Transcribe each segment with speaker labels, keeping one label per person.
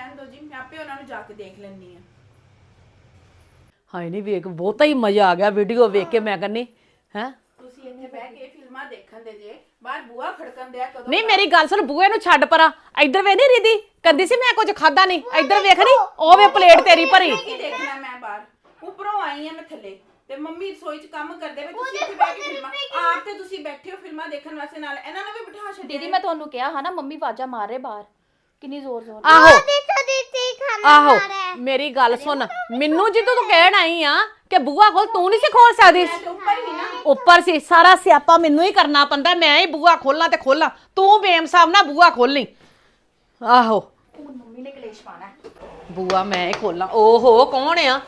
Speaker 1: ਰਹਿਣ ਦਿਓ ਜੀ, ਮੈਂ ਆਪੇ ਉਹਨਾਂ ਨੂੰ ਜਾ ਕੇ ਦੇਖ ਲੈਂਦੀ ਆ।
Speaker 2: ਹਾਏ ਨਹੀਂ ਵੇਖ ਬਹੁਤਾ ਹੀ ਮਜ਼ਾ ਆ ਗਿਆ ਵੀਡੀਓ ਵੇਖ ਕੇ ਮੈਂ ਕਹਿੰਨੀ ਹੈ।
Speaker 1: ਤੁਸੀਂ ਇੱਥੇ ਬਹਿ ਕੇ ਫਿਲਮਾਂ ਦੇਖਣ ਦੇ ਜੇ, ਬਾਹਰ ਬੂਹਾ ਖੜਕਣ ਦਿਆ ਕਦੋਂ।
Speaker 2: ਨਹੀਂ ਮੇਰੀ ਗੱਲ ਸੁਣ ਬੂਏ ਨੂੰ ਛੱਡ ਪਰਾਂ, ਇੱਧਰ ਵੇ ਨਹੀਂ ਰੀਦੀ ਕਹਿੰਦੀ ਸੀ ਮੈਂ ਕੁਝ ਖਾਦਾ ਨਹੀਂ, ਇੱਧਰ ਵੇਖ ਨਹੀਂ ਉਹ ਵੇ ਪਲੇਟ ਤੇਰੀ ਭਰੀ।
Speaker 1: ਕੀ ਦੇਖਣਾ ਮੈਂ ਬਾਹਰ, ਉੱਪਰੋਂ ਆਈ ਆ ਮੈਂ ਥੱਲੇ ਤੇ ਮੰਮੀ ਰਸੋਈ 'ਚ ਕੰਮ ਕਰਦੇ ਵੇ, ਤੁਸੀਂ ਇੱਥੇ ਬਹਿ ਕੇ ਫਿਲਮਾਂ ਆਪ ਤੇ ਤੁਸੀਂ ਬੈਠੇ ਹੋ ਫਿਲਮਾਂ ਦੇਖਣ ਵਾਸਤੇ, ਨਾਲ ਇਹਨਾਂ ਨੂੰ ਵੀ ਬਿਠਾ ਛੱਡਿਆ।
Speaker 3: ਦੀਦੀ ਮੈਂ ਤੁਹਾਨੂੰ ਕਿਹਾ ਹਾਂ ਨਾ ਮੰਮੀ ਵਾਜਾ ਮਾਰ ਰਹੇ ਬਾਹਰ, ਕਿੰਨੀ ਜ਼ੋਰ ਜ਼ੋਰ।
Speaker 2: ਆਹੋ ਮੇਰੀ ਗੱਲ ਸੁਣ, ਮੈਨੂੰ ਜਦੋਂ ਤੂੰ ਕਹਿਣ ਆਈ ਆ ਕਿ ਬੂਆ ਖੋਲ, ਤੂੰ ਨਹੀਂ ਸੀ ਖੋਲ ਸਕਦੀ?
Speaker 1: ਉੱਪਰ ਹੀ ਨਾ,
Speaker 2: ਉੱਪਰ ਸੀ, ਸਾਰਾ ਸਿਆਪਾ ਮੈਨੂੰ ਹੀ ਕਰਨਾ ਪੈਂਦਾ, ਮੈਂ ਹੀ ਬੂਆ ਖੋਲਾਂ ਤੇ ਖੋਲਾਂ, ਤੂੰ ਬੇਮਸਾਬ ਨਾ ਬੂਆ ਖੋਲੀ। ਆਹੋ
Speaker 3: ਹੁਣ ਮੰਮੀ ਨੇ ਕਲੇਸ਼ ਪਾਣਾ,
Speaker 2: ਬੂਆ ਮੈਂ ਹੀ ਖੋਲਾਂ। ਓਹੋ ਕੌਣ ਆ?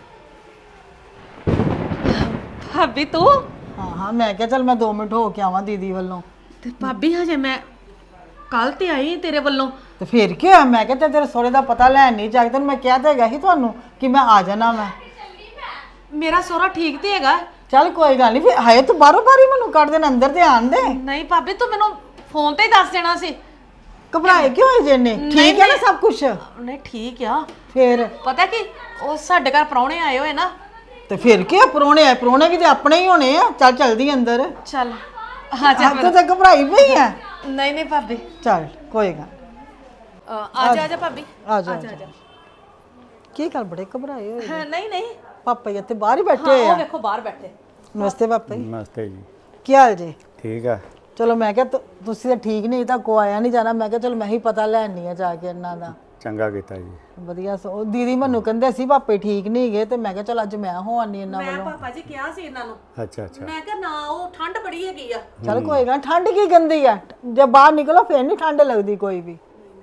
Speaker 2: ਭਾਬੀ ਤੂੰ?
Speaker 4: ਹਾਂ ਮੈਂ ਕਿਹਾ ਚੱਲ ਮੈਂ 2 ਮਿੰਟ ਹੋ ਕੇ ਆਵਾਂ ਦੀਦੀ ਵੱਲੋਂ।
Speaker 2: ਤੇ ਭਾਬੀ ਹਜੇ ਮੈਂ ਕੱਲ ਤੇ ਆਈ ਤੇਰੇ ਵੱਲੋਂ।
Speaker 4: ਤੇ ਫਿਰ ਕੀ ਹੋਇਆ? ਮੈਂ ਕਿਹਾ ਚੱਲ ਤੇਰੇ ਸੋਹਰੇ ਦਾ ਪਤਾ ਲੈਣ ਨਹੀਂ ਜਾ ਕੇ, ਤੈਨੂੰ ਮੈਂ ਕਿਹਾ ਤਾਂ ਹੈਗਾ ਸੀ ਤੁਹਾਨੂੰ ਕਿ ਮੈਂ ਆ ਜਾਣਾ। ਮੈਂ
Speaker 2: ਮੇਰਾ ਸੋਹਰਾ ਠੀਕ ਤੇ ਹੈਗਾ?
Speaker 4: ਚੱਲ ਕੋਈ ਗੱਲ ਨਹੀਂ, ਫਿਰ ਹਾਏ ਤੂੰ ਬਾਹਰੋਂ ਬਾਰੀ ਮੈਨੂੰ ਕੱਢ ਦੇਣ, ਅੰਦਰ ਤੇ ਆਣ ਦੇ।
Speaker 2: ਨਹੀਂ ਭਾਬੀ ਤੂੰ ਮੈਨੂੰ ਫੋਨ ਤੇ ਹੀ ਦੱਸ ਦੇਣਾ ਸੀ।
Speaker 4: ਘਬਰਾਏ ਕਿਉਂ ਹੋਏ ਜੇ ਨੇ? ਠੀਕ ਹੈ ਨਾ ਸਭ ਕੁਝ?
Speaker 2: ਨਹੀਂ ਠੀਕ ਆ।
Speaker 4: ਫਿਰ
Speaker 2: ਪਤਾ ਕੀ ਉਹ ਸਾਡੇ ਘਰ ਪ੍ਰਾਹੁਣੇ ਆਏ ਹੋਏ ਨਾ।
Speaker 4: ਤੇ ਫਿਰ ਕੀ ਪਰੋਣੇ ਆ, ਪਰੋਣੇ ਵੀ ਤੇ ਆਪਣੇ ਹੀ ਹੋਣੇ ਆ। ਚੱਲ ਚਲਦੀ ਅੰਦਰ।
Speaker 2: ਚੱਲ ਹਾਂ ਚੱਲ
Speaker 4: ਤੂੰ ਤਾਂ ਘਬਰਾਈ ਪਈ ਆ।
Speaker 2: ਨਹੀਂ ਨਹੀਂ ਭਾਬੀ
Speaker 4: ਚੱਲ ਕੋਈ ਗੱਲ
Speaker 2: ਆ ਜਾ ਭਾਬੀ
Speaker 4: ਆ ਜਾ ਕੀ ਗੱਲ ਬੜੇ ਘਬਰਾਏ ਹੋਏ?
Speaker 2: ਨਹੀਂ ਨਹੀਂ
Speaker 4: ਪਾਪਾ ਜੀ ਇੱਥੇ ਬਾਹਰ ਹੀ ਬੈਠੇ ਹੋਏ
Speaker 2: ਉਹ
Speaker 4: ਆ।
Speaker 2: ਵੇਖੋ ਬਾਹਰ ਬੈਠੇ।
Speaker 4: ਨਮਸਤੇ ਪਾਪਾ ਜੀ।
Speaker 5: ਨਮਸਤੇ ਜੀ।
Speaker 4: ਕੀ ਹਾਲ ਜੀ?
Speaker 5: ਠੀਕ ਆ।
Speaker 4: ਚਲੋ ਮੈਂ ਕਿਹਾ ਤੁਸੀਂ ਤਾਂ ਠੀਕ ਨਹੀਂ ਤਾਂ ਕੋ ਆਇਆ ਨਹੀਂ ਜਾਣਾ, ਮੈਂ ਕਿਹਾ ਚਲ ਮੈਂ ਹੀ ਪਤਾ ਲੈਣੀ ਆ ਜਾ ਕੇ ਇਹਨਾਂ ਦਾ।
Speaker 5: ਚੰਗਾ ਕੀਤਾ ਜੀ।
Speaker 4: ਵਧੀਆ ਉਹ ਦੀਦੀ ਮੈਨੂੰ ਕਹਿੰਦੇ ਸੀ ਪਾਪੇ ਠੀਕ ਨਹੀਂ ਗਏ, ਤੇ ਮੈਂ ਕਿਹਾ ਚਲ ਅੱਜ ਮੈਂ ਹੋ ਆਨੀ ਇਹਨਾਂ
Speaker 2: ਮੈਂ
Speaker 4: ਵੱਲੋਂ।
Speaker 2: ਪਾਪਾ ਜੀ ਕਿਹਾ ਸੀ ਇਹਨਾਂ ਨੂੰ,
Speaker 5: ਅੱਛਾ ਅੱਛਾ।
Speaker 2: ਮੈਂ ਕਿਹਾ ਨਾ ਉਹ ਠੰਡ ਬੜੀ ਹੈਗੀ ਆ।
Speaker 4: ਚਲ ਕੋਈ ਗੱਲ, ਠੰਡ ਕੀ ਗੰਦੀ ਆ, ਜੇ ਬਾਹਰ ਨਿਕਲੋ ਫੇਰ ਨਹੀਂ ਠੰਡ ਲੱਗਦੀ ਕੋਈ ਵੀ।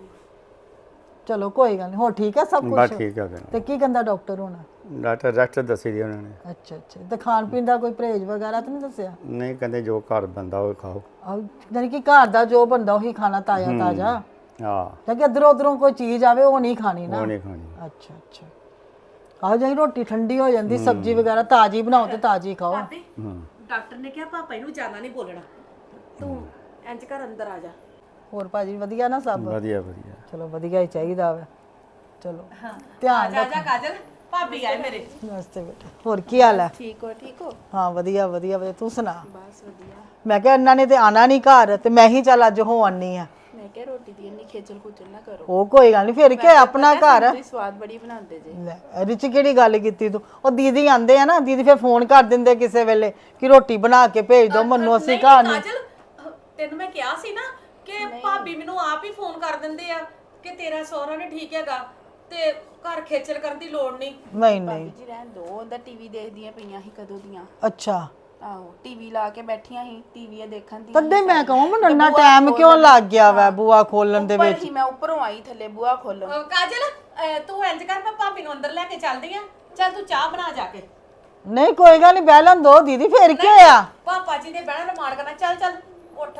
Speaker 4: ਚਲੋ ਕੋਈ ਗੱਲ ਨਹੀਂ, ਹੋ ਠੀਕ ਆ ਸਭ
Speaker 5: ਬਸ
Speaker 4: ਕੁਝ?
Speaker 5: ਠੀਕ ਆ ਫਿਰ।
Speaker 4: ਤੇ ਕੀ ਕਹਿੰਦਾ ਡਾਕਟਰ ਹੁਣ?
Speaker 5: ਡਾਕਟਰ ਰੈਸਟ ਦੱਸੀ ਦੀ ਉਹਨਾਂ ਨੇ।
Speaker 4: ਅੱਛਾ ਅੱਛਾ, ਤੇ ਖਾਣ ਪੀਣ ਦਾ ਕੋਈ ਪਰਹੇਜ਼ ਵਗੈਰਾ ਤਾਂ ਨਹੀਂ ਦੱਸਿਆ?
Speaker 5: ਨਹੀਂ ਕਹਿੰਦੇ ਜੋ ਘਰ ਬੰਦਾ ਉਹ ਖਾਓ।
Speaker 4: ਜਾਨੀ ਕਿ ਘਰ ਦਾ ਜੋ ਬੰਦਾ ਉਹੀ ਖਾਣਾ, ਤਾਜ਼ਾ ਤਾਜ਼ਾ।
Speaker 5: ਹਾਂ
Speaker 4: ਕਿ ਇਧਰੋਂ ਉਧਰੋਂ ਕੋਈ ਚੀਜ਼ ਆਵੇ ਉਹ ਨਹੀਂ ਖਾਣੀ ਨਾ।
Speaker 5: ਉਹ ਨਹੀਂ ਖਾਣੀ।
Speaker 4: ਅੱਛਾ ਅੱਛਾ, ਆਹ ਜਿਹੜੀ ਰੋਟੀ ਠੰਡੀ ਹੋ ਜਾਂਦੀ, ਸਬਜ਼ੀ ਵਗੈਰਾ ਤਾਜ਼ੀ ਬਣਾਓ ਤੇ ਤਾਜ਼ੀ ਖਾਓ।
Speaker 2: ਡਾਕਟਰ ਨੇ ਕਿਹਾ ਪਾਪਾ ਇਹਨੂੰ ਜ਼ਿਆਦਾ ਨਹੀਂ ਬੋਲਣਾ, ਤੂੰ ਇੰਜ ਕਰ ਅੰਦਰ ਆ ਜਾ।
Speaker 4: ਹੋਰ ਭਾਜੀ ਵਧੀਆ ਨਾ ਸਭ?
Speaker 5: ਵਧੀਆ ਵਧੀਆ।
Speaker 4: ਚਲੋ ਵਧੀਆ ਹੀ ਚਾਹੀਦਾ ਵਾ। ਚਲੋ ਧਿਆਨ
Speaker 2: ਆ ਜਾ ਕਾਜਲ, ਭਾਬੀ ਆਏ ਮੇਰੇ।
Speaker 4: ਨਮਸਤੇ ਬੇਟਾ, ਹੋਰ ਕੀ ਹਾਲ ਹੈ?
Speaker 1: ਠੀਕ ਹੋ?
Speaker 4: ਹਾਂ ਵਧੀਆ ਵਧੀਆ ਵਧੀਆ, ਤੂੰ ਸੁਣਾ?
Speaker 1: ਬਸ ਵਧੀਆ।
Speaker 4: ਮੈਂ ਕਿਹਾ ਇਹਨਾਂ ਨੇ ਤੇ ਆਣਾ ਨਹੀਂ ਘਰ, ਤੇ ਮੈਂ ਹੀ ਚੱਲ ਅੱਜ ਹੋ ਆਨੀ ਆ।
Speaker 1: ਮੈਂ ਕਿਹਾ ਰੋਟੀ ਦੀ ਇੰਨੀ ਖੇਚਲ ਖੁਚਲ ਨਾ ਕਰੋ,
Speaker 4: ਉਹ ਕੋਈ ਗੱਲ ਨਹੀਂ, ਫਿਰ ਕੀ ਆਪਣਾ ਘਰ ਹੈ।
Speaker 1: ਤੁਸੀਂ ਸਵਾਦ ਬੜੀ ਬਣਾਉਂਦੇ ਜੇ।
Speaker 4: ਲੈ ਇਹਦੇ ਚ ਕਿਹੜੀ ਗੱਲ ਕੀਤੀ ਤੂੰ? ਉਹ ਦੀਦੀ ਆਂਦੇ ਆ ਨਾ, ਦੀਦੀ ਫਿਰ ਫੋਨ ਕਰ ਦਿੰਦੇ ਕਿਸੇ ਵੇਲੇ ਕਿ ਰੋਟੀ ਬਣਾ ਕੇ ਭੇਜ ਦਿਓ ਮੈਨੂੰ, ਅਸੀਂ ਘਰ ਨਹੀਂ।
Speaker 2: ਕਾਜਲ ਤੈਨੂੰ ਮੈਂ ਕਿਹਾ ਸੀ ਨਾ ਕਿ ਭਾਬੀ ਮੈਨੂੰ ਆਪ ਹੀ ਫੋਨ ਕਰ ਦਿੰਦੇ ਆ ਕਿ ਤੇਰਾ ਸਹੁਰਾ ਨੇ ਠੀਕ ਹੈਗਾ ਤੇ ਘਰ ਖੇਚਲ ਕਰਨ ਦੀ ਲੋੜ ਨਹੀਂ।
Speaker 4: ਨਹੀਂ ਨਹੀਂ
Speaker 1: ਜੀ ਰਹਿਣ ਦੋ, ਉਹਦਾ ਟੀਵੀ ਦੇਖਦੀਆਂ ਪਈਆਂ ਸੀ ਕਦੋਂ ਦੀਆਂ।
Speaker 4: ਅੱਛਾ,
Speaker 1: ਆਹੋ ਟੀਵੀ ਲਾ ਕੇ ਬੈਠੀਆਂ ਸੀ, ਟੀਵੀ ਦੇਖਣ ਦੀ।
Speaker 4: ਤਦੇ ਮੈਂ ਕਹਾਂ ਮੈਨੂੰ ਇੰਨਾ ਟਾਈਮ ਕਿਉਂ ਲੱਗ ਗਿਆ ਵਾ ਬੂਆ ਖੋਲਣ ਦੇ ਵਿੱਚ?
Speaker 1: ਮੈਂ ਉੱਪਰੋਂ ਆਈ ਥੱਲੇ ਬੂਹਾ ਖੋਲਣ।
Speaker 2: ਕਾਜਲ ਤੂੰ ਇੰਜ ਕਰ, ਮੈਂ ਭਾਬੀ ਨੂੰ ਅੰਦਰ ਲੈ ਕੇ ਚੱਲਦੀ ਆ। ਚੱਲ ਤੂੰ ਚਾਹ ਬਣਾ ਜਾ ਕੇ।
Speaker 4: ਨਹੀਂ ਕੋਈ ਗੱਲ ਨਹੀਂ, ਬਹਿ ਲੈਣ ਦੋ ਦੀਦੀ, ਫਿਰ ਕੀ ਹੋਇਆ?
Speaker 2: ਪਾਪਾ ਜੀ ਨੇ ਬਹਿਣਾ ਰਮਾਨ ਕਰਨਾ। ਚੱਲ ਚੱਲ ਉੱਠ,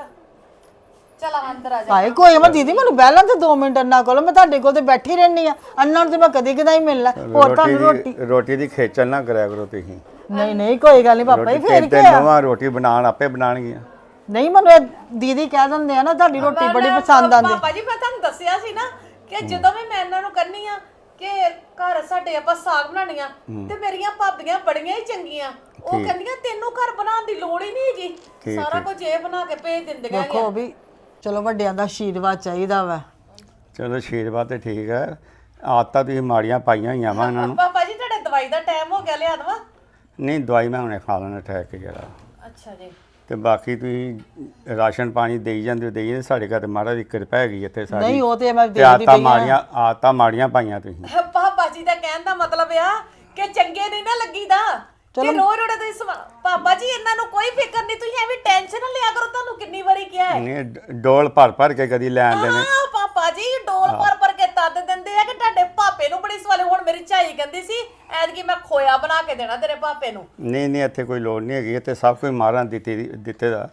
Speaker 1: ਚਲ ਅੰਦਰ ਆ ਜਾ।
Speaker 4: ਹਾਏ ਕੋਈ ਮੈਂ ਦੀਦੀ ਮੈਨੂੰ ਬਹਿ ਲੈਣ ਤੇ 2 ਮਿੰਟ ਅੰਨਾ ਕੋਲ, ਮੈਂ ਤੁਹਾਡੇ ਕੋਲ ਤੇ ਬੈਠੀ ਰਹਿਣੀ ਆ। ਅੰਨਾ ਨੂੰ ਤੇ ਮੈਂ ਕਦੀ ਕਦਾਈ ਮਿਲਣਾ। ਹੋਰ ਤੁਹਾਨੂੰ ਰੋਟੀ
Speaker 5: ਰੋਟੀ ਦੀ ਖੇਚਲ ਨਾ ਕਰਿਆ ਕਰੋ ਤੁਸੀਂ।
Speaker 4: ਨਹੀਂ ਨਹੀਂ ਕੋਈ ਗੱਲ ਨਹੀਂ ਪਾਪਾ ਜੀ, ਫਿਰ ਕੀ
Speaker 5: ਤੇ
Speaker 4: ਹੋਇਆ?
Speaker 5: ਨਵਾਂ ਰੋਟੀ ਬਣਾਉਣ ਆਪੇ ਬਣਾਉਣਗੀਆਂ।
Speaker 4: ਨਹੀਂ ਮੈਨੂੰ ਇਹ ਦੀਦੀ ਕਹਿ ਦਿੰਦੇ ਆ ਨਾ ਤੁਹਾਡੀ ਰੋਟੀ ਬੜੀ ਪਸੰਦ ਆਂਦੀ।
Speaker 2: ਪਾਪਾ ਜੀ ਮੈਂ ਤੁਹਾਨੂੰ ਦੱਸਿਆ ਸੀ ਨਾ ਕਿ ਜਦੋਂ ਵੀ ਮੈਂ ਇਹਨਾਂ ਨੂੰ ਕਹਿੰਨੀ ਆ ਕਿ ਘਰ ਸਾਡੇ ਆਪਾਂ ਸਾਗ ਬਣਾਉਣੀਆਂ, ਤੇ ਮੇਰੀਆਂ ਭਾਬੀਆਂ ਬੜੀਆਂ ਹੀ ਚੰਗੀਆਂ, ਉਹ ਕਹਿੰਦੀਆਂ ਤੈਨੂੰ ਘਰ ਬਣਾਉਣ ਦੀ ਲੋੜ ਹੀ ਨਹੀਂ ਹੈਗੀ, ਸਾਰਾ ਕੁਝ ਇਹ ਬਣਾ ਕੇ ਭੇਜ ਦਿੰਦੀਆਂ।
Speaker 4: ਦੇਖੋ ਵੀ ਚਲੋ ਵੱਡਿਆਂ ਦਾ ਆਸ਼ੀਰਵਾਦ ਚਾਹੀਦਾ ਵਾ।
Speaker 5: ਚਲੋ ਆਸ਼ੀਰਵਾਦ ਤੇ ਠੀਕ ਹੈ, ਆਦਤਾਂ ਤੁਸੀਂ ਮਾੜੀਆਂ ਪਾਈਆਂ ਹੋਈਆਂ ਵਾ ਇਹਨਾਂ ਨੂੰ।
Speaker 2: ਪਾਪਾ ਜੀ ਤੁਹਾਡੇ ਦਵਾਈ ਦਾ ਟਾਈਮ ਹੋ ਗਿਆ, ਲਿਆ ਦਵਾ?
Speaker 5: ਨਹੀਂ ਦਵਾਈ ਮੈਂ ਹੁਣੇ ਖਾ ਲੈਣਾ ਠਹਿਰ ਕੇ ਜਰਾ।
Speaker 2: ਅੱਛਾ ਜੀ।
Speaker 5: ਤੇ ਬਾਕੀ ਤੁਸੀਂ ਰਾਸ਼ਨ ਪਾਣੀ ਦੇਈ ਜਾਂਦੇ ਹੋ, ਦੇਈ ਜਾਂਦੇ। ਸਾਡੇ ਘਰ ਤੇ ਮਹਾਰਾਜ ਦੀ ਕਿਰਪਾ ਹੈਗੀ ਇੱਥੇ ਸਾਡੀ।
Speaker 4: ਨਹੀਂ ਉਹ ਤੇ ਮੈਂ
Speaker 5: ਤੇ
Speaker 4: ਦੇਖਦੀ
Speaker 5: ਆਦਤਾਂ ਮਾੜੀਆਂ ਪਾਈਆਂ ਤੁਸੀਂ।
Speaker 2: ਪਾਪਾ ਜੀ ਦਾ ਕਹਿਣ ਦਾ ਮਤਲਬ ਆ ਕਿ ਚੰਗੇ ਨਹੀਂ ਨਾ ਲੱਗੀਦਾ ਕਿ ਰੋਜ਼ ਰੋਜ਼ ਤੁਸੀਂ ਪਾਪਾ ਜੀ ਇਹਨਾਂ ਨੂੰ ਕੋਈ ਫਿਕਰ ਨਹੀਂ, ਤੁਸੀਂ ਐਵੇਂ ਟੈਨਸ਼ਨ ਨਾ ਲਿਆ ਕਰੋ। ਤੁਹਾਨੂੰ ਕਿੰਨੀ ਵਾਰੀ ਕਿਹਾ ਹੈ?
Speaker 5: ਨਹੀਂ ਡੋਲ ਭਰ ਕੇ ਕਦੀ ਲੈ ਆਉਂਦੇ ਨੇ।
Speaker 2: ਹਾਂ ਪਾਪਾ ਜੀ ਡੋਲ ਭਰ ਕੇ ਤਦ ਦਿੰਦੇ ਆ ਕਿ ਤੁਹਾਡੇ ਪਾਪੇ ਨੂੰ ਬੜੀ ਸਵਾਲੇ। ਹੁਣ ਮੇਰੀ ਝਾਈ ਕਹਿੰਦੀ ਸੀ ਐਤਕੀ ਮੈਂ ਖੋਇਆ ਬਣਾ ਕੇ ਦੇਣਾ ਤੇਰੇ ਪਾਪੇ ਨੂੰ।
Speaker 5: ਨਹੀਂ ਇੱਥੇ ਕੋਈ ਲੋੜ ਨਹੀਂ ਹੈਗੀ, ਇੱਥੇ ਸਭ ਕੁਝ ਮਹਾਰਾਜ ਦਿੱਤੇ ਦਾ।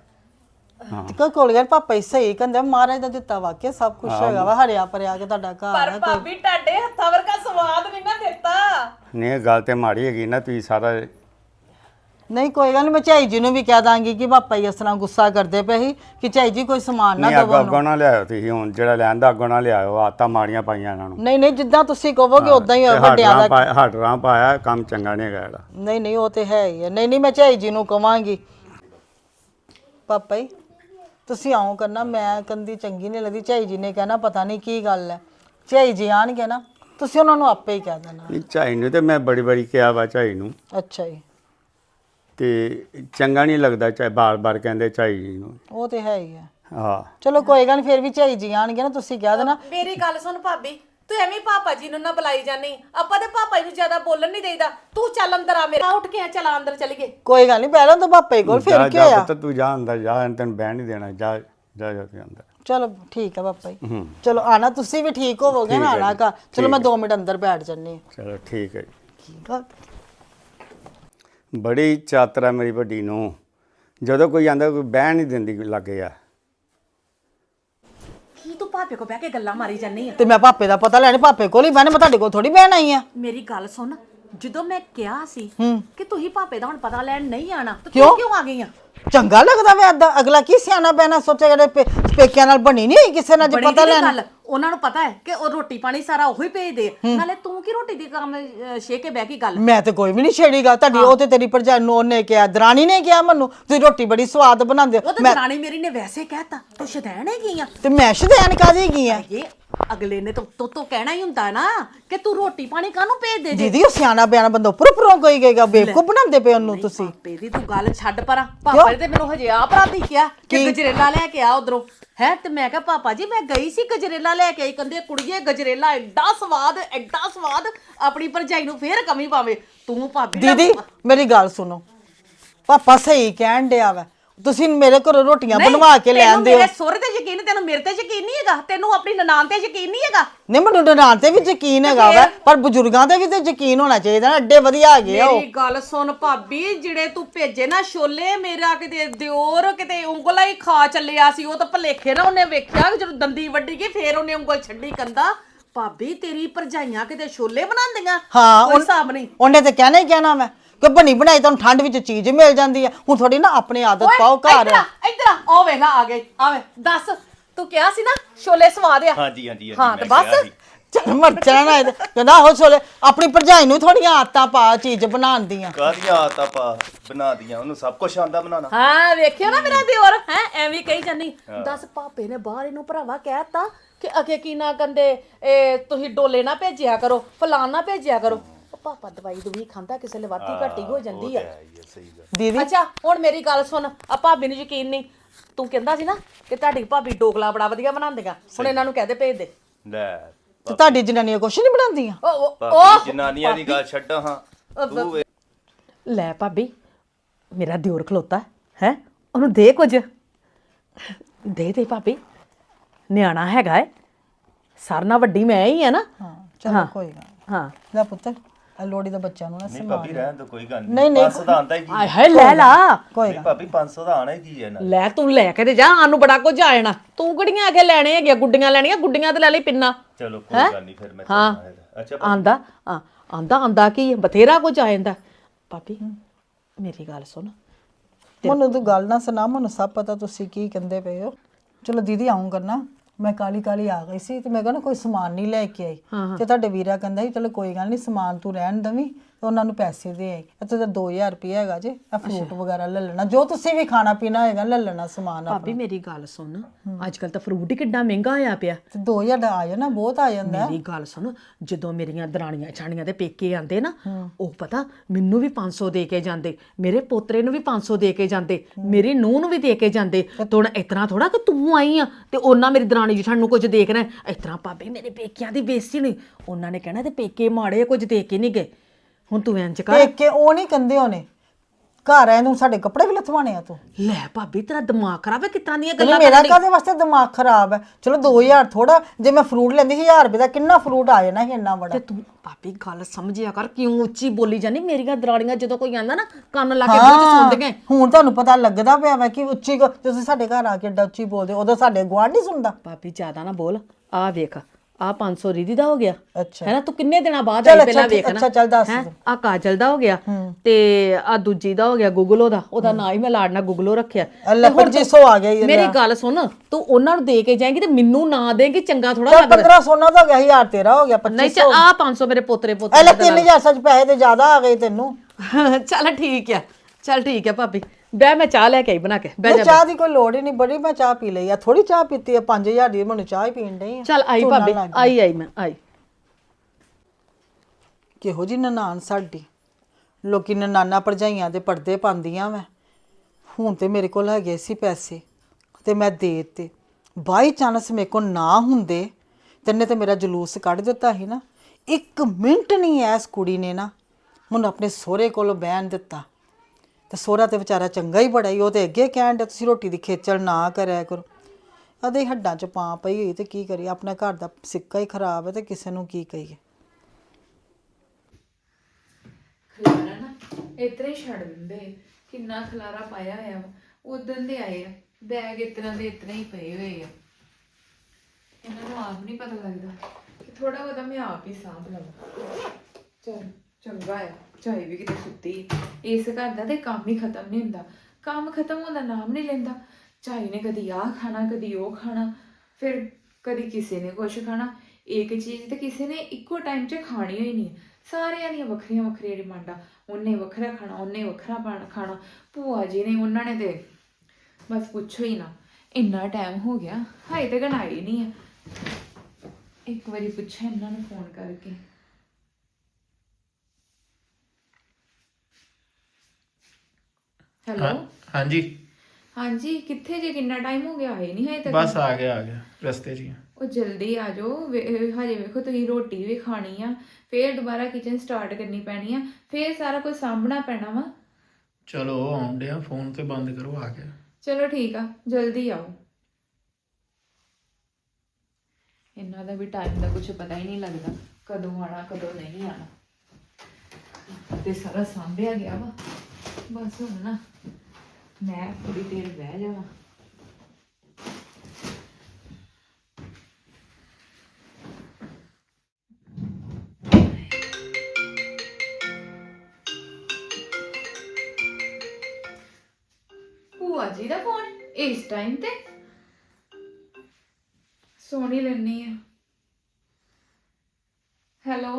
Speaker 4: ਕੋਈ ਕੋਲ ਗਿਆ ਪਾਪਾ ਹੀ ਸਹੀ ਕਹਿੰਦੇ, ਮਹਾਰਾਜ ਦਾ ਦਿੱਤਾ ਵਾਕਿਆ ਸਭ ਕੁਝ ਹੈਗਾ ਵਾ, ਹਰਿਆ ਭਰਿਆ ਕੇ ਤੁਹਾਡਾ ਘਰ
Speaker 2: ਪਰ
Speaker 4: ਹੈ।
Speaker 2: ਭਾਬੀ ਤੁਹਾਡੇ ਹੱਥਾਂ ਵਰਗਾ ਸਵਾਦ ਨਹੀਂ ਨਾ ਦਿੱਤਾ।
Speaker 5: ਨਹੀਂ ਇਹ ਗੱਲ ਤੇ ਮਾੜੀ ਹੈਗੀ ਨਾ, ਤੁਸੀਂ ਸਾਰਾ
Speaker 4: ਨਹੀਂ ਕੋਈ ਗੱਲ ਨਹੀਂ, ਮੈਂ ਝਾਈ ਜੀ ਨੂੰ ਵੀ ਕਹਿ ਦਾਂਗੀ ਕਿ ਪਾਪਾ ਜੀ ਇਸ ਤਰ੍ਹਾਂ ਗੁੱਸਾ ਕਰਦੇ ਪਏ ਸੀ ਕਿ ਝਾਈ ਜੀ ਕੋਈ ਸਮਾਨ ਨਾ
Speaker 5: ਨਹੀਂ
Speaker 4: ਦਵੋ
Speaker 5: ਅੱਗੋਂ ਨਾ ਲਿਆਓ ਤੁਸੀਂ, ਹੁਣ ਜਿਹੜਾ ਲੈਣ ਦਾ ਅੱਗੋਂ ਨਾ ਲਿਆਓ, ਆਦਤਾਂ ਮਾੜੀਆਂ ਪਾਈਆਂ ਇਹਨਾਂ ਨੂੰ।
Speaker 4: ਨਹੀਂ ਜਿੱਦਾਂ ਤੁਸੀਂ ਕਹੋਗੇ ਉਦਾਂ ਹੀ
Speaker 5: ਤੇ
Speaker 4: ਵੱਡਿਆਂ ਦਾ।
Speaker 5: ਹੱਡ ਰਾਹ ਪਾਇਆ, ਕੰਮ ਚੰਗਾ ਨਹੀਂ ਹੈਗਾ ਇਹਦਾ।
Speaker 4: ਨਹੀਂ ਉਹ ਤੇ ਹੈ ਹੀ ਹੈ। ਨਹੀਂ ਮੈਂ ਝਾਈ ਜੀ ਨੂੰ ਕਵਾਂਗੀ। ਪਾਪਾ ਜੀ ਤੁਸੀਂ ਆਉਂ ਕਰਨਾ, ਮੈਂ ਕੰਦੀ ਚੰਗੀ ਨਹੀਂ ਲੱਗਦੀ। ਝਾਈ ਜੀ ਨੇ ਕਹਿਣਾ ਪਤਾ ਨਹੀਂ ਕੀ ਗੱਲ ਹੈ। ਝਾਈ ਜੀ ਆਣਗੇ ਨਾ, ਤੁਸੀਂ ਉਹਨਾਂ ਨੂੰ ਆਪੇ ਹੀ ਕਹਿ ਦੇਣਾ।
Speaker 5: ਨਹੀਂ ਝਾਈ ਨੂੰ ਤੇ ਮੈਂ ਬੜੀ ਕਿਹਾ ਵਾ ਝਾਈ ਨੂੰ,
Speaker 4: ਅੱਛਾ ਜੀ।
Speaker 5: ਤੇ ਚੰਗਾ ਨਹੀਂ ਲੱਗਦਾ ਚਾਹੇ ਬਾਰ-ਬਾਰ ਕਹਿੰਦੇ ਝਾਈ ਜੀ ਨੂੰ।
Speaker 4: ਉਹ ਤੇ ਹੈ ਹੀ ਹੈ।
Speaker 5: ਹਾਂ
Speaker 4: ਚਲੋ ਕੋਈ ਗੱਲ ਨੀ, ਫਿਰ ਵੀ ਝਾਈ ਜੀ ਆਣਗੇ ਨਾ, ਤੁਸੀਂ ਕਹਿ ਦੇਣਾ।
Speaker 2: ਮੇਰੀ ਗੱਲ ਸੁਣ ਭਾਬੀ, ਤੂੰ ਐਵੇਂ ਪਾਪਾ ਜੀ ਨੂੰ ਨਾ ਬੁਲਾਈ ਜਾਨੀ। ਆਪਾਂ ਤੇ ਪਾਪਾ ਜੀ ਨੂੰ ਜ਼ਿਆਦਾ ਬੋਲਣ ਨਹੀਂ ਦੇਈਦਾ। ਤੂੰ ਚੱਲ ਅੰਦਰ ਆ, ਮੇਰਾ ਉੱਠ ਕੇ ਆ, ਚੱਲ ਅੰਦਰ ਚਲੀਏ।
Speaker 4: ਕੋਈ ਗੱਲ ਨਹੀਂ, ਪਹਿਲਾਂ ਤਾਂ ਪਾਪਾ ਜੀ ਕੋਲ, ਫਿਰ ਕੀ ਹੋਇਆ।
Speaker 5: ਪੁੱਤ ਤੂੰ ਜਾ ਅੰਦਰ ਜਾ, ਤੈਨੂੰ ਬਹਿਣ ਨਹੀਂ ਦੇਣਾ। ਜਾ ਕੇ ਅੰਦਰ।
Speaker 4: ਚਲੋ ਠੀਕ ਹੈ ਪਾਪਾ ਜੀ। ਚਲੋ ਆਣਾ, ਤੁਸੀਂ ਵੀ ਠੀਕ ਹੋਵੋਗੇ ਨਾ ਆਣਾ ਕਾ। ਚਲੋ ਮੈਂ 2 ਮਿੰਟ ਅੰਦਰ ਬੈਠ ਜੰਨੀ।
Speaker 5: ਚਲੋ ਠੀਕ ਹੈ ਜੀ।
Speaker 4: ਠੀਕ ਆ।
Speaker 5: ਬੜੀ ਚਾਤਰ ਹੈ ਮੇਰੀ ਵੱਡੀ ਨੂੰ, ਜਦੋਂ ਕੋਈ ਆਂਦਾ ਕੋਈ ਬਹਿਣ ਨਹੀਂ ਦਿੰਦੀ ਲੱਗੇ ਆ।
Speaker 2: ਕੀ ਤੂੰ ਪਾਪੇ ਕੋ ਬਹਿ ਕੇ ਗੱਲਾਂ ਮਾਰੀ ਜਾਨੀ ਆ?
Speaker 4: ਤੇ ਮੈਂ ਪਾਪੇ ਦਾ ਪਤਾ ਲੈਣੇ, ਪਾਪੇ ਕੋਲ ਹੀ ਬਹਿਣੇ, ਮੈਂ ਤੁਹਾਡੇ ਕੋਲ ਥੋੜੀ ਬਹਿਣ ਆਈ ਆ।
Speaker 2: ਮੇਰੀ ਗੱਲ ਸੁਣ, ਜਦੋਂ ਮੈਂ ਕਿਹਾ ਸੀ ਕਿ ਤੁਸੀਂ ਪਾਪੇ ਦਾ ਹੁਣ ਪਤਾ ਲੈਣ ਨਹੀਂ ਆਣਾ, ਤੇ
Speaker 4: ਕਿਉਂ?
Speaker 2: ਤੂੰ ਕਿਉਂ ਆ ਗਈ ਆ?
Speaker 4: ਚੰਗਾ ਲੱਗਦਾ ਵੇ ਏਦਾਂ? ਅਗਲਾ ਕੀ ਸਿਆਣਾ ਬੈਣਾ ਸੋਚਿਆ, ਜਿਹੜੇ ਪੇਕਿਆਂ ਨਾਲ ਬਣੀ ਨਹੀਂ ਹੋਈ ਕਿਸੇ ਨਾਲ ਜੇ
Speaker 2: ਬੜੀ
Speaker 4: ਪਤਾ
Speaker 2: ਦੀ
Speaker 4: ਲੈਣਾ।
Speaker 2: ਗੱਲ, ਉਹਨਾਂ ਨੂੰ ਪਤਾ ਹੈ ਕਿ ਉਹ ਰੋਟੀ ਪਾਣੀ ਸਾਰਾ ਉਹੀ ਭੇਜਦੇ ਆ। ਨਾਲੇ ਤੂੰ ਕੀ ਰੋਟੀ ਦੀ ਕੰਮ ਛੇ ਕੇ ਬਹਿ ਗਈ ਗੱਲ?
Speaker 4: ਮੈਂ ਤੇ ਕੋਈ ਵੀ ਨਹੀਂ ਛੇੜੀਗਾ ਤੁਹਾਡੀ। ਉਹ ਤੇ ਤੇਰੀ ਭਰਜਾਈ ਨੂੰ ਉਹਨੇ ਕਿਹਾ, ਦਰਾਣੀ ਨੇ ਕਿਹਾ ਮੈਨੂੰ, ਤੁਸੀਂ ਰੋਟੀ ਬੜੀ ਸਵਾਦ ਬਣਾਉਂਦੇ ਹੋ।
Speaker 2: ਉਹ ਤਾਂ ਦਰਾਣੀ ਮੇਰੀ ਨੇ ਵੈਸੇ ਕਹਿਤਾ, ਤੂੰ ਸ਼ੈਤਾਨ ਹੈਗੀ ਆ।
Speaker 4: ਤੇ ਮੈਂ ਸ਼ਦੈਨ ਕਾਹਦੀ ਗਈ ਆ?
Speaker 2: ਇਹ ਅਗਲੇ ਨੇ ਤਾਂ ਤੋ ਕਹਿਣਾ ਹੀ ਹੁੰਦਾ ਨਾ ਕਿ ਤੂੰ ਰੋਟੀ ਪਾਣੀ ਕਾਹਨੂੰ ਭੇਜਦੇ ਜੇ।
Speaker 4: ਦੀਦੀ ਉਹ ਸਿਆਣਾ ਬਿਆਣਾ ਬੰਦਾ ਉੱਪਰੋਂ ਕੋਈ ਗਏਗਾ, ਬੇਵਕੂਫ ਬਣਾਉਂਦੇ ਪਏ ਉਹਨੂੰ ਤੁਸੀਂ।
Speaker 2: ਪਾਪੇ ਦੀ ਤੂੰ ਗੱਲ ਛੱਡ ਪਰਾਂ। ਪਾਪਾ ਨੇ ਤੇ ਮੈਨੂੰ ਹਜੇ ਆਪ ਰਾਤੀ ਕਿਹਾ ਕਿ ਗਜਰੇਲਾ ਲੈ ਕੇ ਆ ਉਧਰੋਂ ਹੈ। ਤੇ ਮੈਂ ਕਿਹਾ ਪਾਪਾ ਜੀ ਮੈਂ ਗਈ ਸੀ ਗਜਰੇਲਾ ਲੈ ਕੇ ਆਈ। ਕਹਿੰਦੇ ਕੁੜੀਏ ਗਜਰੇਲਾ ਐਡਾ ਸਵਾਦ, ਆਪਣੀ ਭਰਜਾਈ ਨੂੰ ਫੇਰ ਕਮੀ ਪਾਵੇ। ਤੂੰ ਭਾਬੀ
Speaker 4: ਦੀਦੀ ਮੇਰੀ ਗੱਲ ਸੁਣੋ, ਪਾਪਾ ਸਹੀ ਕਹਿਣ ਡਿਆ ਵਾ। ਤੁਸੀਂ ਮੇਰੇ ਘਰੋਂ ਰੋਟੀਆਂ ਬਣਵਾ ਕੇ ਲੈ ਆਂਦੇ ਹੋ।
Speaker 2: ਮੇਰੇ ਸਹੁਰੇ ਤੇ ਯਕੀਨ, ਤੈਨੂੰ ਮੇਰੇ ਤੇ ਯਕੀਨ ਨਹੀਂ ਹੈਗਾ? ਤੈਨੂੰ ਆਪਣੀ ਨਨਾਣ ਤੇ ਯਕੀਨ ਨਹੀਂ ਹੈਗਾ?
Speaker 4: ਨਹੀਂ ਮੈਨੂੰ ਨਨਾਣ ਤੇ ਵੀ ਯਕੀਨ ਹੈਗਾ ਵਾ, ਪਰ ਬਜ਼ੁਰਗਾਂ ਤੇ ਵੀ ਤੇ ਯਕੀਨ ਹੋਣਾ ਚਾਹੀਦਾ ਨਾ। ਐਡੇ ਵਧੀਆ ਆ ਗਏ ਆ ਉਹ।
Speaker 2: ਮੇਰੀ ਗੱਲ ਸੁਣ ਭਾਬੀ, ਜਿਹੜੇ ਤੂੰ ਭੇਜੇ ਨਾ ਛੋਲੇ, ਮੇਰਾ ਕਿਤੇ ਦਿਓਰ ਕਿਤੇ ਉਂਗਲਾ ਹੀ ਖਾ ਚੱਲਿਆ ਸੀ। ਉਹ ਤਾਂ ਭਲੇਖੇ ਨਾ ਉਹਨੇ ਵੇਖਿਆ ਜਦੋਂ ਦੰਦੀ ਵੱਢੀ ਗਈ, ਫੇਰ ਉਹਨੇ ਉਂਗਲ ਛੱਡੀ ਕੰਦਾ। ਭਾਬੀ ਤੇਰੀ ਭਰਜਾਈਆਂ ਕਿਤੇ ਛੋਲੇ ਬਣਾਉਂਦੀਆਂ?
Speaker 4: ਹਾਂ
Speaker 2: ਕੋਈ ਹਿਸਾਬ ਨਹੀਂ।
Speaker 4: ਉਹਨੇ ਤੇ ਕਹਿਣਾ ਹੀ ਕਹਿਣਾ ਮੈਂ ਕਿ ਬਣੀ ਬਣਾਈ ਤੁਹਾਨੂੰ ਠੰਡ ਵਿੱਚ ਚੀਜ਼ ਮਿਲ ਜਾਂਦੀ ਆ। ਹੁਣ ਥੋੜੀ ਨਾ ਆਪਣੀ ਆਦਤ ਪਾਓ ਘਰ।
Speaker 2: ਇੱਧਰ ਆ ਵੇਖ ਆ ਗਏ। ਆਵੇ ਦੱਸ, ਤੂੰ ਕਿਹਾ ਸੀ ਨਾ ਛੋਲੇ ਸਵਾਦ ਆ?
Speaker 6: ਹਾਂਜੀ
Speaker 2: ਹਾਂ ਤੇ ਬਸ
Speaker 4: ਚੱਲ ਮਰਚਣਾ ਨਾ ਇਹਦੇ। ਕਹਿੰਦਾ ਉਹ ਛੋਲੇ ਆਪਣੀ ਭਰਜਾਈ ਨੂੰ ਥੋੜੀਆਂ ਆਦਤਾਂ ਪਾ ਚੀਜ਼ ਬਣਾਉਣ ਦੀਆਂ।
Speaker 6: ਕਾਹਦੀਆਂ ਆਦਤਾਂ ਪਾ ਬਣਾ ਦੀਆਂ, ਉਹਨੂੰ ਸਭ ਕੁਝ ਆਉਂਦਾ ਬਣਾਉਣਾ।
Speaker 2: ਹਾਂ ਵੇਖਿਓ ਨਾ ਮੇਰਾ ਦਿਓਰ ਹੈ ਐਵੇਂ ਕਹੀ ਜਾਨੀ। ਦੱਸ ਪਾਪੇ ਨੇ ਬਾਹਰ ਇਹਨੂੰ ਭਰਾਵਾ ਕਹਿਤਾ ਕਿ ਅਗੇ ਕੀ ਨਾ ਕੰਦੇ ਤੁਸੀਂ ਡੋਲੇ ਨਾ ਭੇਜਿਆ ਕਰੋ, ਫਲਾਨ ਨਾ ਭੇਜਿਆ ਕਰੋ। ਪਾਪਾ ਦਵਾਈ ਦੂਈ ਖਾਂਦਾ, ਕਿਸੇ ਲਈ ਵਾਤੀ ਘਟੀ ਹੋ ਜਾਂਦੀ ਆ।
Speaker 6: ਸਹੀ ਗੱਲ।
Speaker 4: ਦੀਦੀ
Speaker 2: ਅੱਛਾ ਹੁਣ ਮੇਰੀ ਗੱਲ ਸੁਣ, ਆ ਭਾਬੀ ਨੂੰ ਯਕੀਨ ਨਹੀਂ। ਤੂੰ ਕਹਿੰਦਾ ਸੀ ਨਾ ਕਿ ਤੁਹਾਡੀ ਭਾਬੀ ਡੋਕਲਾ ਬੜਾ ਵਧੀਆ ਬਣਾਉਂਦੀਆਂ, ਹੁਣ ਇਹਨਾਂ ਨੂੰ ਕਹਦੇ ਭੇਜ ਦੇ।
Speaker 6: ਲੈ
Speaker 4: ਤੇ ਤੁਹਾਡੀ ਜਨਾਨੀਆਂ ਕੁਛ ਨਹੀਂ ਬਣਾਉਂਦੀਆਂ?
Speaker 6: ਭਾਬੀ ਜਨਾਨੀਆਂ ਦੀ ਗੱਲ ਛੱਡ। ਹਾਂ ਤੂੰ ਵੇ-
Speaker 2: ਲੈ ਭਾਬੀ, ਮੇਰਾ ਦਿਓਰ ਖਲੋਤਾ ਹੈ, ਉਹਨੂੰ ਦੇ ਕੁਝ ਦੇ ਭਾਬੀ। ਨਿਆਣਾ ਹੈਗਾ ਏ, ਸਾਰਨਾ ਵੱਡੀ ਮੈਂ ਹੀ ਆ ਨਾ।
Speaker 4: ਹਾਂ ਚਲੋ ਕੋਈ ਗੱਲ ਨੀ।
Speaker 2: ਹਾਂ
Speaker 4: ਲੈ ਪੁੱਤ ਆ ਲੋੜੀ ਦਾ ਬੱਚਾ ਨੂੰ ਨਾ
Speaker 6: ਨਹੀਂ
Speaker 4: ਸਮਾਨ।
Speaker 6: ਭਾਬੀ ਰਹਿਣ ਦੋ, ਕੋਈ ਗੱਲ
Speaker 4: ਨਹੀਂ,
Speaker 6: ਨਹੀਂ।
Speaker 4: ਨਹੀਂ,
Speaker 6: 500 ਦਾ ਆਂਦਾ ਹੀ ਕੀ?
Speaker 2: ਆਏ ਹਾਏ ਲੈ ਲਾ।
Speaker 4: ਕੋਈ
Speaker 6: ਨਹੀਂ ਭਾਬੀ 500 ਦਾ ਆਣਾ ਹੀ ਕੀ ਹੈ ਨਾ।
Speaker 2: ਲੈ ਤੂੰ ਲੈ ਕੇ ਤੇ ਜਾ, ਸਾਨੂੰ ਬੜਾ ਕੁਝ ਆ ਜਾਣਾ। ਤੂੰ ਕਿਹੜੀਆਂ ਆ ਕੇ ਲੈਣੇ ਹੈਗੇ? ਗੁੱਡੀਆਂ ਲੈਣੀਆਂ, ਗੁੱਡੀਆਂ ਤੇ ਲੈ ਲਈ ਪਿੰਨਾ।
Speaker 6: ਚਲੋ ਕੋਈ ਗੱਲ ਨਹੀਂ, ਫਿਰ ਮੈਂ ਚੱਲਣਾ ਹੈ। ਅੱਛਾ
Speaker 2: ਆਂਦਾ ਕੀ ਬਥੇਰਾ ਕੁਝ ਆ ਜਾਂਦਾ। ਭਾਬੀ ਮੇਰੀ ਗੱਲ ਸੁਣ,
Speaker 4: ਮੈਨੂੰ ਤੂੰ ਗੱਲ ਨਾ ਸੁਣਾ, ਮੈਨੂੰ ਸਭ ਪਤਾ ਤੁਸੀਂ ਕੀ ਕਹਿੰਦੇ ਪਏ ਹੋ। ਚਲੋ ਦੀਦੀ ਆਉਂ ਕਰਨਾ, ਮੈਂ ਕਾਲੀ ਆ ਗਈ ਸੀ ਤੇ ਮੈਂ ਕਹਿੰਦਾ ਕੋਈ ਸਮਾਨ ਨਹੀਂ ਲੈ ਕੇ ਆਈ। ਤੇ ਤੁਹਾਡੇ ਵੀਰਾ ਕਹਿੰਦਾ ਸੀ ਚਲੋ ਕੋਈ ਗੱਲ ਨਹੀਂ ਸਮਾਨ ਤੂੰ ਰਹਿਣ ਦਵੀਂ, ਤੇ ਉਹਨਾਂ ਨੂੰ ਪੈਸੇ ਦੇ ਆਈ। ਇੱਥੇ ਤਾਂ 2000 ਰੁਪਏ ਹੈਗਾ ਜੇ, ਆ ਫਰੂਟ ਵਗੈਰਾ ਲੈ ਲੈਣਾ, ਜੋ ਤੁਸੀਂ ਵੀ ਖਾਣਾ ਪੀਣਾ ਹੋਏਗਾ ਲੈ ਲੈਣਾ ਸਮਾਨ।
Speaker 2: ਭਾਬੀ ਮੇਰੀ ਗੱਲ ਸੁਣ, ਅੱਜ ਕੱਲ ਤਾਂ ਫਰੂਟ ਹੀ ਕਿੱਡਾ ਮਹਿੰਗਾ ਹੋਇਆ ਪਿਆ।
Speaker 4: ਤੇ 2000 ਦਾ ਆ ਜਾਣਾ, ਬਹੁਤ ਆ ਜਾਂਦਾ।
Speaker 2: ਮੇਰੀ ਗੱਲ ਸੁਣ, ਜਦੋਂ ਮੇਰੀਆਂ ਦਰਾਣੀਆਂ ਛਾਣੀਆਂ ਦੇ ਪੇਕੇ ਆਂਦੇ ਨਾ, ਉਹ ਪਤਾ ਮੈਨੂੰ ਵੀ 500 ਦੇ ਕੇ ਜਾਂਦੇ, ਮੇਰੇ ਪੋਤਰੇ ਨੂੰ ਵੀ 500 ਦੇ ਕੇ ਜਾਂਦੇ, ਮੇਰੀ ਨੂੰਹ ਨੂੰ ਵੀ ਦੇ ਕੇ ਜਾਂਦੇ। ਤੇ ਹੁਣ ਇਤਨਾ ਥੋੜਾ ਕਿ ਤੂੰ ਆਈ ਆ ਤੇ ਉਹਨਾਂ ਮੇਰੀ ਦਰਾਣੀ ਜਠਾਣੀ ਨੂੰ ਕੁਝ ਦੇਖਣਾ। ਇਤਨਾ ਭਾਬੀ ਮੇਰੇ ਪੇਕਿਆਂ ਦੀ ਬੇਇੱਜ਼ਤੀ ਨਹੀਂ, ਉਹਨਾਂ ਨੇ ਕਹਿਣਾ ਤੇ ਪੇਕੇ ਮਾੜੇ ਕੁਝ ਦੇ ਕੇ ਨਹੀਂ ਗਏ। ਹੁਣ ਤੂੰ ਇੰਜ ਕਰ।
Speaker 4: ਦੇਖ ਕੇ ਉਹ ਨਹੀਂ ਕੰਦੇ ਹੋਣੇ, ਘਰ ਆਏ ਨੂੰ ਸਾਡੇ ਕੱਪੜੇ ਵੀ ਲਥਵਾਣੇ ਆ ਤੂੰ।
Speaker 2: ਲੈ ਭਾਬੀ ਤੇਰਾ ਦਿਮਾਗ ਖਰਾਬ ਹੈ, ਕਿਤਨਾ ਦੀਆਂ
Speaker 4: ਚਲੋ
Speaker 2: ਗੱਲਾਂ
Speaker 4: ਮੇਰਾ
Speaker 2: ਕਰਦੀ।
Speaker 4: ਕਾਹਦੇ ਵਾਸਤੇ ਦਿਮਾਗ ਖਰਾਬ ਹੈ? ਚਲੋ 2000 ਥੋੜਾ, ਜੇ ਮੈਂ ਫਰੂਟ ਲੈਂਦੀ 1000 ਰੁਪਏ ਦਾ ਕਿੰਨਾ ਫਰੂਟ ਆ ਜਾਣਾ ਸੀ ਇੰਨਾ
Speaker 2: ਤੇ
Speaker 4: ਬੜਾ।
Speaker 2: ਤੂੰ ਭਾਬੀ ਗੱਲ ਸਮਝਿਆ ਕਰ, ਕਿਉਂ ਉੱਚੀ ਬੋਲੀ ਜਾਨੀ? ਮੇਰੀਆਂ ਦਰਾੜੀਆਂ ਜਦੋਂ ਕੋਈ ਆਂਦਾ ਨਾ ਕੰਨ ਲਾ ਕੇ ਮੂੰਹ 'ਚ ਸੁਣਦੀਆਂ।
Speaker 4: ਹੁਣ ਤੁਹਾਨੂੰ ਪਤਾ ਲੱਗਦਾ ਪਿਆ ਵਾ ਕਿ ਤੁਸੀਂ ਸਾਡੇ ਘਰ ਆ ਕੇ ਏਡਾ ਉੱਚੀ ਬੋਲਦੇ, ਉਦੋਂ ਸਾਡੇ ਗੁਆਂਢ ਨਹੀਂ ਸੁਣਦਾ।
Speaker 2: ਭਾਬੀ ਜ਼ਿਆਦਾ ਨਾ ਬੋਲ। ਆ ਵੇਖ ਆ 500 ਰੀਦੀ ਦਾ ਹੋ ਗਿਆ
Speaker 4: ਅੱਛਾ।
Speaker 2: ਹੈ ਨਾ। ਤੂੰ ਕਿੰਨੇ ਦਿਨਾਂ ਬਾਅਦ
Speaker 4: ਚੱਲ
Speaker 2: ਆਈ ਪਹਿਲਾਂ
Speaker 4: ਅੱਛਾ,
Speaker 2: ਵੇਖਣਾ।
Speaker 4: ਅੱਛਾ, ਚੱਲ ਦੱਸ
Speaker 2: ਹੈਂ?
Speaker 4: ਦੇ।
Speaker 2: ਆ ਕਾਜਲ ਦਾ ਹੋ ਗਿਆ ਤੇ ਆ ਦੂਜੀ ਦਾ ਹੋ ਗਿਆ ਗੁਗਲੋ ਦਾ। ਉਹਦਾ ਨਾਂ ਹੀ ਮੈਂ ਲਾੜਨਾ ਗੁਗਲੋ ਰੱਖਿਆ।
Speaker 4: ਅੱਲਾ
Speaker 2: ਤੇ ਹੁਣ
Speaker 4: 2500 ਆ ਗਿਆ ਹੀ
Speaker 2: ਮੇਰੀ ਗੱਲ ਸੁਣ, ਤੂੰ ਉਹਨਾਂ ਨੂੰ ਦੇ ਕੇ ਜਾਏਂਗੀ ਤੇ ਮੈਨੂੰ ਨਾ ਦੇਂਗੀ, ਚੰਗਾ ਥੋੜਾ ਲੱਗਦਾ।
Speaker 4: 1500 ਉਹਨਾਂ ਦਾ ਹੋ ਗਿਆ, 1000 ਤੇਰਾ ਹੋ ਗਿਆ,
Speaker 2: ਨਹੀਂ
Speaker 4: 2500
Speaker 2: ਆ 500 ਮੇਰੇ ਪੋਤਰੇ
Speaker 4: ਐਲੇ
Speaker 2: ਪੋਤਰੇ
Speaker 4: 3000 ਸੱਚ ਪੈਸੇ ਤੇ ਜ਼ਿਆਦਾ ਆ ਗਏ ਤੈਨੂੰ।
Speaker 2: ਚੱਲ ਠੀਕ ਆ, ਚੱਲ ਠੀਕ ਆ ਭਾਬੀ। ਬਹਿ, ਮੈਂ ਚਾਹ ਲੈ ਕੇ ਆਈ ਬਣਾ ਕੇ। ਬਹਿ
Speaker 4: ਮੈਂ
Speaker 2: ਜਾ।
Speaker 4: ਚਾਹ ਦੀ ਕੋਈ ਲੋੜ ਹੀ ਨਹੀਂ, ਬੜੀ ਮੈਂ ਚਾਹ ਪੀ ਲਈ ਆ, ਥੋੜੀ ਚਾਹ ਪੀਤੀ ਆ, 5000 ਦੀ ਮੈਨੂੰ ਚਾਹ ਹੀ ਪੀਣ ਡਈ ਆ।
Speaker 2: ਚੱਲ ਆਈ
Speaker 4: ਝੋਨਾ
Speaker 2: ਭਾਬੀ,
Speaker 4: ਲੱਗ ਗਿਆ।
Speaker 2: ਆਈ ਮੈਂ ਆਈ।
Speaker 4: ਕਿਹੋ ਜੀ ਨਨਾਣ ਸਾਡੀ, ਲੋਕੀ ਨਨਾਨਾ ਭਰਜਾਈਆਂ ਦੇ ਪਰਦੇ ਪਾਉਂਦੀਆਂ ਮੈਂ। ਹੁਣ ਤੇ ਮੇਰੇ ਕੋਲ ਹੈਗੇ ਸੀ ਪੈਸੇ ਤੇ ਮੈਂ ਦੇ ਦਿੱਤੇ। ਬਾਈ ਚਾਂਸ ਮੇਰੇ ਕੋਲ ਨਾ ਹੁੰਦੇ ਤੈਨੇ ਤੇ ਮੇਰਾ ਜਲੂਸ ਕੱਢ ਦਿੱਤਾ ਸੀ ਨਾ। 1 ਮਿੰਟ ਨਹੀਂ ਐਸ ਕੁੜੀ ਨੇ ਨਾ ਮੈਨੂੰ ਆਪਣੇ ਸਹੁਰੇ ਕੋਲ ਬਹਿਣ ਦਿੱਤਾ। ਤੇ ਸਹੁਰਾ ਤੇ ਵਿਚਾਰਾ ਚੰਗਾ ਹੀ ਬੜਾ ਹੀ, ਉਹ ਤੇ ਅੱਗੇ ਕਹਿਣ ਡਿਆ ਤੁਸੀਂ ਰੋਟੀ ਦੀ ਖੇਚਲ ਨਾ ਕਰਿਆ ਕਰੋ। ਅਦੇ ਹੱਡਾਂ 'ਚ ਪਾਂ ਪਈ ਹੋਈ ਤੇ ਕੀ ਕਰੀਏ, ਆਪਣਾ ਘਰ ਦਾ ਸਿੱਕਾ ਹੀ ਖਰਾਬ ਹੈ ਤੇ ਕਿਸੇ ਨੂੰ ਕੀ ਕਹੀਏ।
Speaker 7: ਖਲਾਰਾ ਨਾ ਇਤਰੇ ਛੱਡ ਦਿੰਦੇ। ਕਿੰਨਾ ਖਲਾਰਾ ਪਾਇਆ ਹੋਇਆ ਵਾ। ਉਦੋਂ ਦੇ ਆਏ ਆ, ਬੈਗ ਇਤਨਾ ਦੇ ਇਤਨੇ ਹੀ ਪਏ ਹੋਏ ਆ। ਇਹਨਾਂ ਨੂੰ ਆਪ ਨਹੀਂ ਪਤਾ ਲੱਗਦਾ ਕਿ ਥੋੜਾ ਬਹੁਤਾ ਮੈਂ ਆਪ ਹੀ ਸਾਂਭ ਲਵਾਂ। ਚਲ ਚੰਗਾ ਆ, ਚਾਹੇ ਵੀ ਕਿਤੇ ਸੁੱਤੀ। ਇਸ ਘਰ ਦਾ ਤੇ ਕੰਮ ਹੀ ਖਤਮ ਨਹੀਂ ਹੁੰਦਾ। ਕੰਮ ਖਤਮ ਹੋਣ ਦਾ ਨਾਮ ਨਹੀਂ ਲੈਂਦਾ। ਚਾਹੇ ਨੇ ਕਦੀ ਆਹ ਖਾਣਾ, ਕਦੀ ਉਹ ਖਾਣਾ, ਫਿਰ ਕਦੀ ਕਿਸੇ ਨੇ ਕੁਛ ਖਾਣਾ। ਇੱਕ ਚੀਜ਼ ਤੇ ਕਿਸੇ ਨੇ ਇੱਕੋ ਟਾਈਮ 'ਚ ਖਾਣੀ ਹੋਈ ਨਹੀਂ। ਸਾਰਿਆਂ ਦੀਆਂ ਵੱਖਰੀਆਂ ਵੱਖਰੀਆਂ ਡਿਮਾਂਡਾਂ। ਉਹਨੇ ਵੱਖਰਾ ਖਾਣਾ, ਉਹਨੇ ਵੱਖਰਾ ਖਾਣਾ। ਭੂਆ ਜੀ ਨੇ, ਉਹਨਾਂ ਨੇ ਤੇ ਬਸ ਪੁੱਛੋ ਹੀ ਨਾ। ਇੰਨਾ ਟਾਈਮ ਹੋ ਗਿਆ, ਹਾਏ ਤੱਕ ਆਈ ਨਹੀਂ ਆ। ਇੱਕ ਵਾਰੀ ਪੁੱਛਿਆ ਇਹਨਾਂ ਨੂੰ ਫੋਨ ਕਰਕੇ। ਹੈਲੋ,
Speaker 8: ਹਾਂਜੀ
Speaker 7: ਹਾਂਜੀ ਕਿੱਥੇ ਜੇ? ਕਿੰਨਾ ਟਾਈਮ ਹੋ ਗਿਆ, ਆਏ ਨਹੀਂ ਹਾਏ ਤੱਕ।
Speaker 8: ਬਸ ਆ ਗਿਆ ਰਸਤੇ 'ਚ ਹੀ।
Speaker 7: ਉਹ ਜਲਦੀ ਆ ਜਾਓ। ਹਜੇ ਵੇਖੋ ਤੁਸੀਂ ਰੋਟੀ ਵੀ ਖਾਣੀ ਆ, ਫੇਰ ਦੁਬਾਰਾ ਕਿਚਨ ਸਟਾਰਟ ਕਰਨੀ ਪੈਣੀ ਆ, ਫੇਰ ਸਾਰਾ ਕੁਝ ਸਾਂਭਣਾ ਪੈਣਾ ਵਾ।
Speaker 8: ਚਲੋ ਆਉਣ ਡਿਆ, ਫੋਨ ਤੇ ਬੰਦ ਕਰੋ, ਆ ਗਿਆ।
Speaker 7: ਚਲੋ ਠੀਕ ਆ, ਜਲਦੀ ਆਓ। ਇਹਨਾਂ ਦਾ ਵੀ ਟਾਈਮ ਦਾ ਕੁਝ ਪਤਾ ਹੀ ਨਹੀਂ ਲੱਗਦਾ, ਕਦੋਂ ਆਣਾ ਕਦੋਂ ਨਹੀਂ ਆਣਾ। ਤੇ ਸਾਰਾ ਸਾਂਭਿਆ ਗਿਆ ਵਾ। ਬਸ ਹੁਣ ਨਾ ਮੈਂ ਥੋੜੀ ਦੇਰ ਬਹਿ ਜਾਵਾਂ। ਭੂਆ ਜੀ ਦਾ ਫੋਨ ਇਸ ਟਾਈਮ ਤੇ? ਸੁਣ ਹੀ ਲੈਣੀ ਆ। ਹੈਲੋ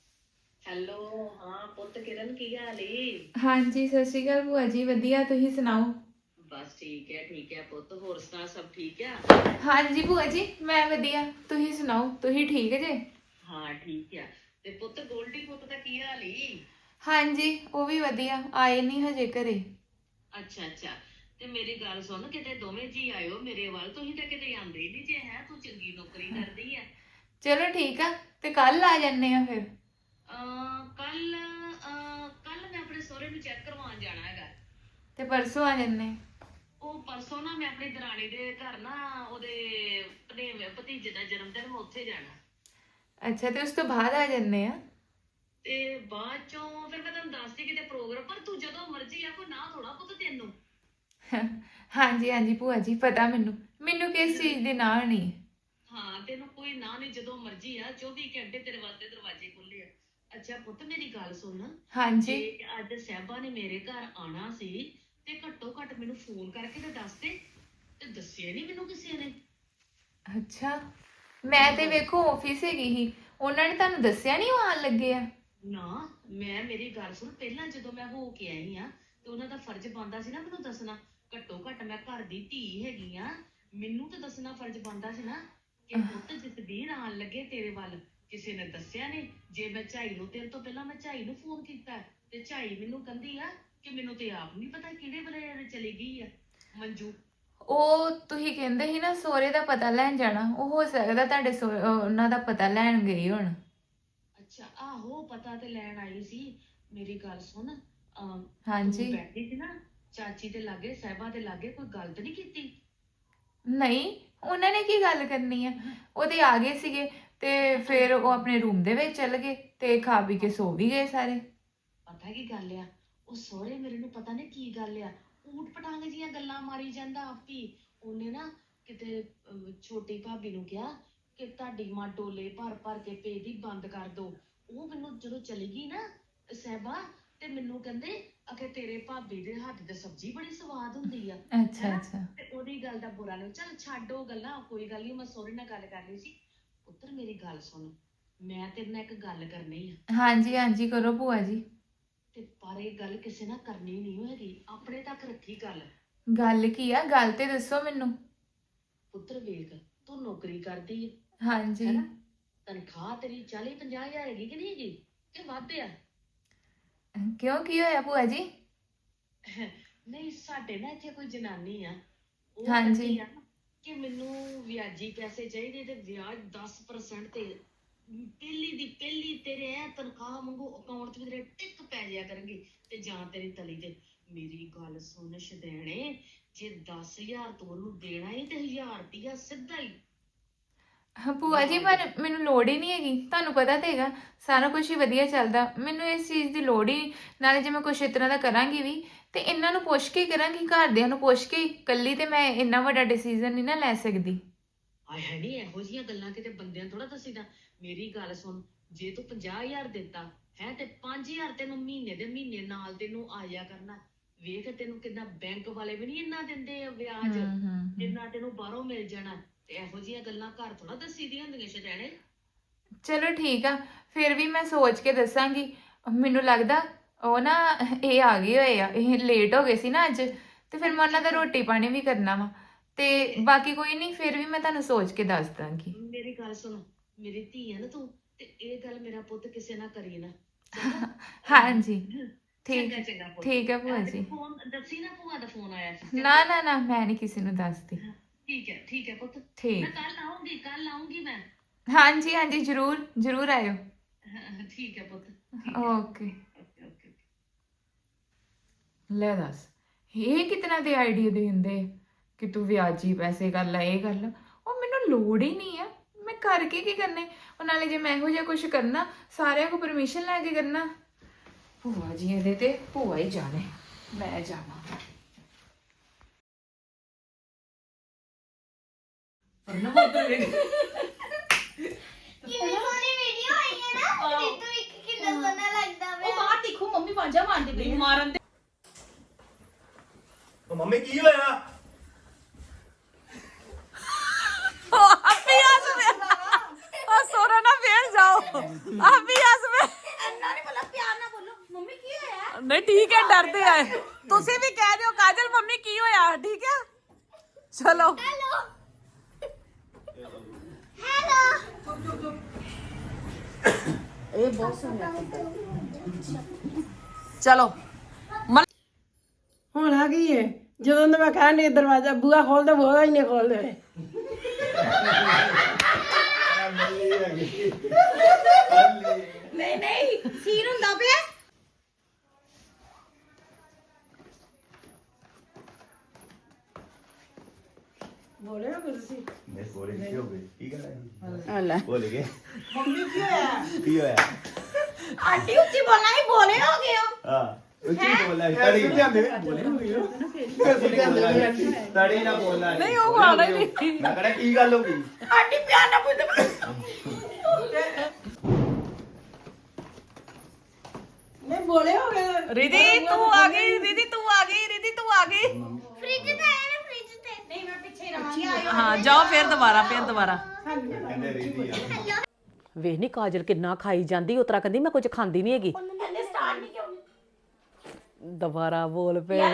Speaker 2: ਹੈਲੋ, ਹਾਂ ਪੁੱਤ ਕਿਰਨ, ਕੀ ਹਾਲ ਈ?
Speaker 7: ਹਾਂਜੀ, ਸਤਿ ਸ਼੍ਰੀ ਅਕਾਲ ਭੂਆ ਜੀ। ਵਧੀਆ, ਤੁਸੀਂ ਸੁਣਾਓ?
Speaker 2: ਬਸ ਠੀਕ ਹੈ ਪੁੱਤ। ਹੋਰ ਸੁਣਾ, ਸਭ ਠੀਕ ਆ?
Speaker 7: ਹਾਂਜੀ ਭੂਆ ਜੀ, ਮੈਂ ਵਧੀਆ। ਤੁਸੀਂ ਸੁਣਾਓ, ਤੁਸੀਂ ਠੀਕ ਜੇ?
Speaker 2: ਹਾਂ ਠੀਕ ਆ। ਤੇ ਪੁੱਤ ਗੋਲਡੀ ਪੁੱਤ ਦਾ ਕੀ ਹਾਲ ਈ?
Speaker 7: ਹਾਂਜੀ, ਉਹ ਵੀ ਵਧੀਆ। ਆਏ ਨਹੀਂ ਹਜੇ ਘਰੇ।
Speaker 2: ਅੱਛਾ। ਤੇ ਮੇਰੀ ਗੱਲ ਸੁਣ, ਕਿਤੇ ਦੋਵੇਂ ਜੀ ਆਇਓ ਮੇਰੇ ਵੱਲ। ਤੁਸੀਂ ਤਾਂ ਕਿਤੇ ਆਂਦੇ ਹੀ ਨਹੀਂ ਜੇ। ਹੈ ਤੂੰ ਚੰਗੀ ਨੌਕਰੀ ਕਰਦੀ ਆ।
Speaker 7: ਚਲੋ ਠੀਕ ਆ, ਤੇ ਕੱਲ ਆ ਜੰਨੇ ਆ ਫਿਰ।
Speaker 2: ਕੱਲ ਮੈਂ ਆਪਣੇ ਸਹੁਰੇ ਨੂੰ ਚੈੱਕ ਕਰਵਾਉਣ ਜਾਣਾ ਹੈਗਾ।
Speaker 7: ਤੇ ਪਰਸੋਂ ਆ ਜੰਨੇ।
Speaker 2: ਉਹ ਪਰਸੋਂ ਨਾ ਮੈਂ ਆਪਣੀ ਦਰਾਣੀ ਦੇ ਘਰ ਨਾ, ਉਹਦੇ ਭਤੀਜੇ ਦਾ ਜਨਮ ਦਿਨ, ਮੈਂ ਉੱਥੇ ਜਾਣਾ।
Speaker 7: ਅੱਛਾ, ਤੇ ਉਸ ਤੋਂ ਬਾਅਦ ਆ ਜੰਨੇ ਆ।
Speaker 2: ਤੇ ਬਾਅਦ ਚੋਂ ਫਿਰ ਮੈਂ ਤੁਹਾਨੂੰ ਦੱਸਦੀ ਕਿਤੇ ਪ੍ਰੋਗਰਾਮ। ਪਰ ਤੂੰ ਜਦੋਂ ਮਰਜ਼ੀ ਆ, ਕੋਈ ਨਾ ਥੋੜਾ ਪੁੱਤ ਤੈਨੂੰ।
Speaker 7: ਹਾਂਜੀ ਭੂਆ ਜੀ, ਪਤਾ ਮੈਨੂੰ ਕਿਸ ਚੀਜ਼ ਦੀ ਨਾਹ ਨਹੀਂ।
Speaker 2: ਹਾਂ, ਤੈਨੂੰ ਕੋਈ ਨਾ ਨਹੀਂ, ਜਦੋਂ ਮਰਜ਼ੀ ਆ। 24 ਘੰਟੇ ਤੇਰੇ ਵਾਸਤੇ ਦਰਵਾਜ਼ੇ ਖੁੱਲੇ ਆ। ਅੱਛਾ ਪੁੱਤ, ਮੇਰੀ ਗੱਲ ਸੁਣ।
Speaker 7: ਹਾਂਜੀ।
Speaker 2: ਜੇ ਅੱਜ ਸਾਹਿਬਾ ਨੇ ਮੇਰੇ ਘਰ ਆਣਾ ਸੀ ਤੇ ਘੱਟੋ ਘੱਟ ਮੈਨੂੰ ਫੋਨ ਕਰਕੇ ਤੇ ਦੱਸ ਦੇ। ਤੇ ਦੱਸਿਆ ਨਹੀਂ ਮੈਨੂੰ ਕਿਸੇ ਨੇ।
Speaker 7: ਅੱਛਾ, ਮੈਂ ਤੇ ਵੇਖੋ ਆਫਿਸ ਹੈਗੀ ਸੀ। ਉਹਨਾਂ ਨੇ ਤੁਹਾਨੂੰ ਦੱਸਿਆ ਨਹੀਂ ਉਹ ਆਣ ਲੱਗੇ ਆ?
Speaker 2: ਨਾ, ਮੇਰੀ ਗੱਲ ਸੁਣ। ਪਹਿਲਾਂ ਜਦੋਂ ਮੈਂ ਹੋ ਕੇ ਆਈ ਆ ਤੇ ਉਹਨਾਂ ਦਾ ਫਰਜ਼ ਬਣਦਾ ਸੀ ਨਾ ਮੈਨੂੰ ਦੱਸਣਾ। ਘੱਟੋ ਘੱਟ ਮੈਂ ਘਰ ਦੀ ਧੀ ਹੈਗੀ ਆ, ਮੈਨੂੰ ਤਾਂ ਦੱਸਣਾ ਫਰਜ਼ ਬਣਦਾ ਸੀ ਨਾ ਕਿ ਪੁੱਤ ਜਸਬੀਰ ਆਣ ਲੱਗੇ ਤੇਰੇ ਵੱਲ। ਕਿਸੇ ਨੇ ਦੱਸਿਆ ਨਹੀਂ। ਜੇ ਮੈਂ ਝਾਈ ਨੂੰ, ਤੇਰੇ ਤੋਂ ਪਹਿਲਾਂ ਮੈਂ ਝਾਈ ਨੂੰ ਫੋਨ ਕੀਤਾ ਤੇ ਝਾਈ ਮੈਨੂੰ ਕਹਿੰਦੀ ਆ ਕਿ ਮੈਨੂੰ ਤੇ ਆਪ ਨਹੀਂ ਪਤਾ ਕਿਹੜੇ ਵੇਲੇ ਚਲੀ ਗਈ ਆ ਮੰਜੂ।
Speaker 7: ਉਹ ਤੁਸੀਂ ਕਹਿੰਦੇ ਸੀ ਨਾ ਸਹੁਰੇ ਦਾ ਪਤਾ ਲੈਣ ਜਾਣਾ, ਉਹ ਹੋ ਸਕਦਾ ਤੁਹਾਡੇ ਉਹਨਾਂ ਦਾ ਪਤਾ ਲੈਣ ਗਏ ਹੁਣ।
Speaker 2: ਅੱਛਾ, ਆਹੋ ਪਤਾ ਤੇ ਲੈਣ ਆਈ ਸੀ। ਮੇਰੀ ਗੱਲ ਸੁਣ।
Speaker 7: ਹਾਂਜੀ।
Speaker 2: ਤੂੰ ਬੈਠੀ ਸੀ ਨਾ ਚਾਚੀ ਦੇ ਲਾਗੇ, ਸਾਹਿਬਾ ਦੇ ਲਾਗੇ, ਕੋਈ ਗੱਲ ਤਾਂ ਨਹੀਂ ਕੀਤੀ?
Speaker 7: ਨਹੀਂ, ਉਹਨਾਂ ਨੇ ਕੀ ਗੱਲ ਕਰਨੀ ਆ। ਉਹਦੇ ਆ ਗਏ ਸੀਗੇ ਤੇ ਫਿਰ ਉਹ ਆਪਣੇ ਰੂਮ ਦੇ ਵਿੱਚ ਚਲ ਗਏ ਤੇ ਖਾ ਪੀ ਕੇ ਸੋ ਵੀ ਗਏ ਸਾਰੇ।
Speaker 2: ਪਤਾ ਕੀ ਗੱਲ ਆ, ਉਹ ਸਹੁਰੇ ਮੇਰੇ ਨੂੰ ਪਤਾ ਨਹੀਂ ਕੀ ਗੱਲ ਆ, ਊਟ ਪਟਾਂਗ ਜੀਆਂ ਗੱਲਾਂ ਮਾਰੀ ਜਾਂਦਾ ਆਪ ਹੀ। ਉਹਨੇ ਨਾ ਕਿਤੇ ਛੋਟੀ ਭਾਬੀ ਨੂੰ ਕਿਹਾ
Speaker 9: ਕਿ ਤੁਹਾਡੀ ਮਾਂ ਡੋਲੇ ਭਰ ਭਰ ਕੇ ਭੇਜਦੀ ਬੰਦ ਕਰ ਦੋ। ਉਹ ਮੈਨੂੰ ਜਦੋਂ ਚਲੀ ਗਈ ਨਾ ਸਹਿਬਾ, ਤੇ ਮੈਨੂੰ ਕਹਿੰਦੇ ਅਖੇ ਤੇਰੇ ਭਾਬੀ ਦੇ ਹੱਥ ਦੀ ਸਬਜ਼ੀ ਬੜੀ ਸਵਾਦ ਹੁੰਦੀ ਆ।
Speaker 7: ਅੱਛਾ ਅੱਛਾ।
Speaker 9: ਤੇ ਉਹਦੀ ਗੱਲ ਦਾ ਬੁਰਾ ਨਹੀਂ, ਚੱਲ ਛੱਡ ਉਹ ਗੱਲਾਂ, ਕੋਈ ਗੱਲ ਨਹੀਂ। ਮੈਂ ਸਹੁਰੇ ਨਾਲ ਗੱਲ ਕਰ ਲਈ ਸੀ। ਪੁੱਤਰ ਮੇਰੀ ਗੱਲ ਸੁਣ, ਮੈਂ ਤੇਰੇ ਨਾਲ ਇੱਕ ਗੱਲ ਕਰਨੀ ਆ।
Speaker 7: ਹਾਂਜੀ ਹਾਂਜੀ ਕਰੋ ਭੂਆ ਜੀ।
Speaker 9: ਤੇ ਪਰ ਇਹ ਗੱਲ ਕਿਸੇ ਨਾਲ ਕਰਨੀ ਨਹੀਂ ਹੋਏਗੀ, ਆਪਣੇ ਤੱਕ ਰੱਖੀ ਗੱਲ।
Speaker 7: ਗੱਲ ਕੀ ਆ? ਗੱਲ ਤੇ ਦੱਸੋ ਮੈਨੂੰ।
Speaker 9: ਪੁੱਤਰ ਵੇਖ, ਤੂੰ ਨੌਕਰੀ ਕਰਦੀ ਹੈ,
Speaker 7: ਹਾਂਜੀ।
Speaker 9: ਹੈਨਾ? ਤਨਖਾਹ ਤੇਰੀ 40-50 ਹਜ਼ਾਰ ਹੈਗੀ ਕਿ ਨਹੀਂ ਹੈਗੀ, ਕਿ ਵੱਧ ਆ?
Speaker 7: ਕਿਉਂ, ਕੀ ਹੋਇਆ ਭੂਆ ਜੀ?
Speaker 9: ਨਹੀਂ, ਸਾਡੇ ਨਾ ਇੱਥੇ ਕੋਈ ਜਨਾਨੀ ਆ, ਉਹ
Speaker 7: ਹਾਂਜੀ।
Speaker 9: ਕਹਿੰਦੀ ਆ ਕਿ ਮੈਨੂੰ ਵਿਆਜੀ ਪੈਸੇ ਚਾਹੀਦੇ ਤੇ ਵਿਆਜ 10% ਤੇ ਪਹਿਲੀ ਤੇਰੇ ਐ ਤਨਖਾਹ ਮੰਗੋ ਅਕਾਊਂਟ 'ਚ ਵੀ ਤੇਰੇ ਟਿਕ ਪੈ ਜਾਇਆ ਕਰਨਗੇ ਤੇ ਜਾਂ ਤੇਰੀ ਤਲੀ ਤੇ। ਮੇਰੀ ਗੱਲ ਸੁਣ ਸ਼ਦੈਣੇ, ਜੇ 10,000 ਤੂੰ ਉਹਨੂੰ ਦੇਣਾ ਹੀ ਤੇ 1000 ਰੁਪਇਆ ਸਿੱਧਾ ਹੀ।
Speaker 7: ਭੂਆ ਜੀ ਪਰ ਮੈਨੂੰ ਲੋੜ ਹੀ ਨਹੀਂ ਹੈਗੀ, ਤੁਹਾਨੂੰ ਪਤਾ ਤੇ ਹੈਗਾ ਸਾਰਾ ਕੁਝ ਹੀ ਵਧੀਆ ਚੱਲਦਾ, ਮੈਨੂੰ ਇਸ ਚੀਜ਼ ਦੀ ਲੋੜ ਹੀ। ਨਾਲੇ ਜੇ ਮੈਂ ਕੁਛ ਇਸ ਤਰ੍ਹਾਂ ਦਾ ਕਰਾਂਗੀ ਵੀ ਤੇ ਇਹਨਾਂ ਨੂੰ ਪੁੱਛ ਕੇ ਹੀ ਕਰਾਂਗੀ, ਘਰਦਿਆਂ ਨੂੰ ਪੁੱਛ ਕੇ। ਇਕੱਲੀ ਤੇ ਮੈਂ ਇੰਨਾ ਵੱਡਾ ਡਿਸੀਜਨ ਨਹੀਂ ਨਾ ਲੈ ਸਕਦੀ।
Speaker 9: ਆਏ ਹੈ ਨਹੀਂ, ਇਹੋ ਜਿਹੀਆਂ ਗੱਲਾਂ ਕਿਤੇ ਬੰਦਿਆਂ ਥੋੜਾ ਦੱਸੀਦਾ। ਮੇਰੀ ਗੱਲ ਸੁਣ, ਜੇ ਤੂੰ 50,000 ਦਿੱਤਾ ਹੈ ਤੇ 5,000 ਤੈਨੂੰ ਮਹੀਨੇ ਦੇ ਮਹੀਨੇ ਨਾਲ ਤੈਨੂੰ ਆਇਆ ਕਰਨਾ। ਵੇਖ ਤੈਨੂੰ ਕਿੰਨਾ ਬੈਂਕ ਵਾਲੇ ਵੀ ਨਹੀਂ ਇੰਨਾ ਦਿੰਦੇ ਆ ਵਿਆਜ, ਜਿੰਨਾ ਤੈਨੂੰ ਬਾਹਰੋਂ ਮਿਲ ਜਾਣਾ। ਤੇ ਇਹੋ ਜਿਹੀਆਂ ਗੱਲਾਂ ਘਰ ਥੋੜਾ ਦੱਸੀ ਦੀਆਂ ਹੁੰਦੀਆਂ ਸ਼ਦੈਣੇ।
Speaker 7: ਚਲੋ ਠੀਕ ਆ, ਫਿਰ ਵੀ ਮੈਂ ਸੋਚ ਕੇ ਦੱਸਾਂਗੀ। ਮੈਨੂੰ ਲੱਗਦਾ ਉਹ ਨਾ ਇਹ ਆ ਗਏ ਹੋਏ ਆ, ਇਹ ਲੇਟ ਹੋ ਗਏ ਸੀ ਨਾ ਅੱਜ, ਤੇ ਫਿਰ ਮੈਂ ਉਹਨਾਂ ਦਾ ਰੋਟੀ ਪਾਣੀ ਵੀ ਕਰਨਾ ਵਾ। ਤੇ ਬਾਕੀ ਕੋਈ ਨਹੀਂ, ਫਿਰ ਵੀ ਮੈਂ ਤੁਹਾਨੂੰ ਸੋਚ ਕੇ ਦੱਸ ਦਾਂਗੀ।
Speaker 9: ਮੇਰੀ ਗੱਲ ਸੁਣ, ਮੇਰੀ ਧੀ ਹੈ ਨਾ ਤੂੰ, ਤੇ ਇਹ ਗੱਲ ਮੇਰਾ ਪੁੱਤ ਕਿਸੇ ਨਾਲ ਕਰੀ ਨਾ।
Speaker 7: ਹਾਂਜੀ ਠੀਕ
Speaker 9: ਚੰਗਾ ਚੰਗਾ ਪੁੱਤ।
Speaker 7: ਠੀਕ ਹੈ ਭੂਆ ਜੀ।
Speaker 9: ਫੋਨ ਦੱਸੀ ਨਾ, ਭੂਆ ਦਾ ਫੋਨ ਆਇਆ ਸੀ।
Speaker 7: ਨਾ ਨਾ ਨਾ, ਮੈਂ ਨਹੀਂ ਕਿਸੇ ਨੂੰ ਦੱਸਦੀ।
Speaker 9: ਠੀਕ ਹੈ ਪੁੱਤ।
Speaker 7: ਠੀਕ।
Speaker 9: ਮੈਂ ਕੱਲ ਆਉਂਗੀ ਮੈਂ।
Speaker 7: ਹਾਂਜੀ ਹਾਂਜੀ ਜ਼ਰੂਰ ਜ਼ਰੂਰ ਆਇਓ।
Speaker 9: ਠੀਕ ਹੈ ਪੁੱਤ।
Speaker 7: ਓਕੇ। ਲੈ ਦੱਸ, ਇਹ ਕਿਤਨਾ ਦੇ ਆਈਡੀਆ ਦੇ ਦਿੰਦੇ ਕਿ ਤੂੰ ਵਿਆਜੀ ਪੈਸੇ ਕਰ ਲੈ, ਇਹ ਕਰ ਲੈ। ਉਹ ਮੈਨੂੰ ਲੋੜ ਹੀ ਨਹੀਂ ਆ, ਮੈਂ ਕਰਕੇ ਕੀ ਕਰਨੇ। ਉਹ ਨਾਲੇ ਜੇ ਮੈਂ ਇਹੋ ਜਿਹਾ ਕੁਝ ਕਰਨਾ, ਸਾਰਿਆਂ ਕੋਲ ਪਰਮਿਸ਼ਨ ਲੈ ਕੇ ਕਰਨਾ। ਭੂਆ ਜੀ ਇਹਦੇ ਤੇ ਭੂਆ ਹੀ ਜਾਣੇ, ਮੈਂ ਜਾਵਾਂ।
Speaker 10: ਕਿੰਨੀ ਸੋਹਣੀ ਵੀਡੀਓ ਆਈ ਹੈ ਨਾ, ਰੀਤੂ ਇੱਕ ਕਿੰਨਾ ਸੋਹਣਾ ਲੱਗਦਾ ਵੇ।
Speaker 3: ਉਹ ਬਾਹਰ ਦੇਖੋ ਮੰਮੀ ਵਾਂਝਾ ਮਾਰਦੇ ਪਏ ਮਾਰਨ।
Speaker 6: ਉਹ ਮੰਮੀ ਕੀ ਹੋਇਆ?
Speaker 2: ਨਹੀਂ ਠੀਕ ਹੈ, ਡਰਦੇ ਆਏ ਤੁਸੀਂ ਵੀ ਕਹਿ ਦਿਓ ਕਾਜਲ ਮੰਮੀ ਕੀ ਹੋਇਆ, ਠੀਕ ਹੈ ਚਲੋ। ਇਹ ਬਹੁਤ ਸੋਹਣਾ ਚਲੋ।
Speaker 11: ਹੁਣ ਆ ਗਈ ਹੈ, ਜਦੋਂ ਦਾ ਮੈਂ ਕਹਿਣ ਡਈ ਦਰਵਾਜ਼ਾ ਬੂਹਾ ਖੋਲ ਦੇ, ਬੂਹਾ ਹੀ ਨਹੀਂ ਖੋਲਦੇ।
Speaker 2: ਨਹੀਂ ਸੀਨ ਹੁੰਦਾ ਪਿਆ।
Speaker 11: ਬੋਲੇ ਹੋ ਤੁਸੀਂ?
Speaker 6: ਮੈਂ ਬੋਲੇ ਕੀ ਹੋ ਗਈ? ਕੀ ਕਰ ਰਹੀ?
Speaker 2: ਲੈ
Speaker 6: ਬੋਲ ਗਏ।
Speaker 11: ਮੰਮੀ ਕੀ ਹੋਇਆ?
Speaker 6: ਕੀ ਹੋਇਆ?
Speaker 2: ਆਂਟੀ ਉੱਚੀ ਬੋਲਣਾ ਹੀ, ਬੋਲੇ ਹੋ ਗਏ ਹੋ।
Speaker 6: ਹਾਂ ਉੱਚੀ ਬੋਲਣਾ ਤੜੀ ਜਾਂਦੇ ਬੋਲੇ ਹੋ ਗਈ ਤੜੀ ਨਾ ਬੋਲਣਾ
Speaker 2: ਨਹੀਂ ਉਹ ਆਣਾ ਹੀ ਨਹੀਂ।
Speaker 6: ਮੈਂ ਕਹਿੰਦਾ ਕੀ ਗੱਲ ਹੋ ਗਈ?
Speaker 2: ਆਂਟੀ ਪਿਆਰ ਨਾਲ ਪੁੱਛਦੇ।
Speaker 11: ਨਹੀਂ ਬੋਲੇ ਹੋ ਗਏ।
Speaker 2: ਰਿਧੀ ਤੂੰ ਆ ਗਈ, ਰਿਧੀ ਤੂੰ ਆ ਗਈ, ਰਿਧੀ ਤੂੰ ਆ ਗਈ।
Speaker 10: ਫ੍ਰਿਜ ਤੇ ਆਇਆ ਨਾ, ਫ੍ਰਿਜ ਤੇ। ਨਹੀਂ ਮੈਂ ਪਿੱਛੇ ਰਵਾਂਗੀ।
Speaker 2: ਹਾਂ ਜਾਓ ਫਿਰ ਦੁਬਾਰਾ
Speaker 6: ਕਹਿੰਦੇ ਰੀਤੀ ਆ
Speaker 12: ਵੇਖ ਨੀ ਕਾਜਲ ਕਿੰਨਾ ਖਾਈ ਜਾਂਦੀ, ਉਤਰਾ ਕਹਿੰਦੀ ਮੈਂ ਕੁਝ ਖਾਂਦੀ ਨਹੀਂ ਹੈਗੀ।
Speaker 10: ਉਹਨੇ ਸਟਾਰਟ ਨਹੀਂ ਕਿਉਂ?
Speaker 12: ਦੁਬਾਰਾ ਬੋਲ ਪਏ।